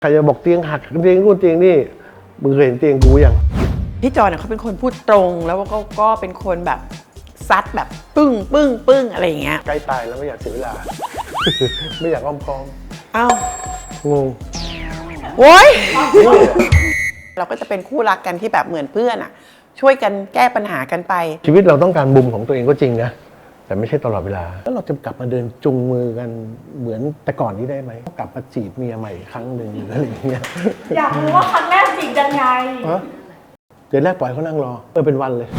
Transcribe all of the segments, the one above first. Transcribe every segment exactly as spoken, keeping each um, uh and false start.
ใครจะบอกเตียงหักเตียงนู่นเตียงนี่มึงเคยเห็นเตียงกูยังพี่จอนเขาเป็นคนพูดตรงแล้วก็ก็เป็นคนแบบซัดแบบปึ้งปึ้งปึ้งอะไรอย่างเงี้ยใกล้ตายแล้วไม่อยากเสียเวลา ไม่อยากอ้อมค้อมอ้าวงงโว้ยเราก็จะเป็นคู่รักกันที่แบบเหมือนเพื่อนอ่ะช่วยกันแก้ปัญหากันไปชีวิตเราต้องการมุมของตัวเองก็จริงนะแต่ไม่ใช่ตลอดเวลาแล้วเราจะกลับมาเดินจุงมือกันเหมือนแต่ก่อนนี้ได้ไหมกลับมาจีบเมียใหม่ครั้งหนึ่งหรืออะไรอย่างเงี้ยอยากรู้ว่าครั้งแรกจีบยังไงเดี๋ยวแรกปล่อยเขานั่งรอเออเป็นวันเลย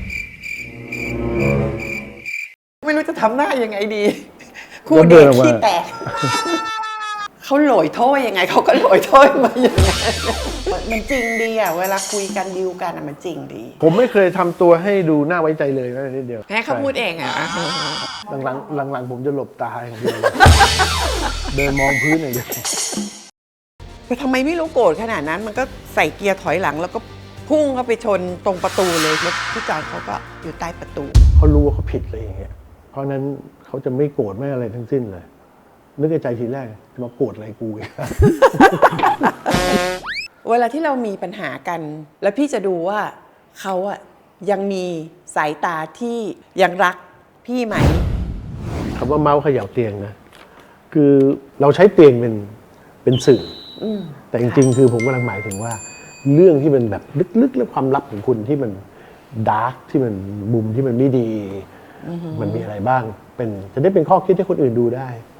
ไม่รู้จะทำหน้ายังไงดีคู่เด็กขี้แตกเขาโหลอยโถ้ยังไงเขาก็โหลอยโถ้มาอย่างไงมันจริงดีอ่ะเวลาคุยกันดิวกันอ่ะมันจริงดีผมไม่เคยทำตัวให้ดูน่าไว้ใจเลยแม้แต่นิดเดียวแค่เขาพูดเองอ่ะหลังๆหลังๆผมจะหลบตาอย่างเดียวเดินมองพื้นอย่างเดียวแต่ทำไมไม่รู้โกรธขนาดนั้นมันก็ใส่เกียร์ถอยหลังแล้วก็พุ่งเข้าไปชนตรงประตูเลยแล้วพี่จอนเขาก็อยู่ใต้ประตูเขารู้ว่าเขาผิดเลยอย่างเงี้ยเพราะนั้นเขาจะไม่โกรธไม่อะไรทั้งสิ้นเลยนึกในใจทีแรกมาโกรธอะไรกูอีกเวลาที่เรามีปัญหากันแล้วพี่จะดูว่าเขาอะยังมีสายตาที่ยังรักพี่ไหมคำว่าเมาส์เขย่าเตียงนะคือเราใช้เตียงเป็นเป็นสื่อแต่จริงๆคือผมกำลังหมายถึงว่าเรื่องที่มันแบบลึกๆและความลับของคุณที่มันดาร์กที่มันมุมที่มันไม่ดีมันมีอะไรบ้างเป็นจะได้เป็นข้อคิดให้คนอื่นดูได้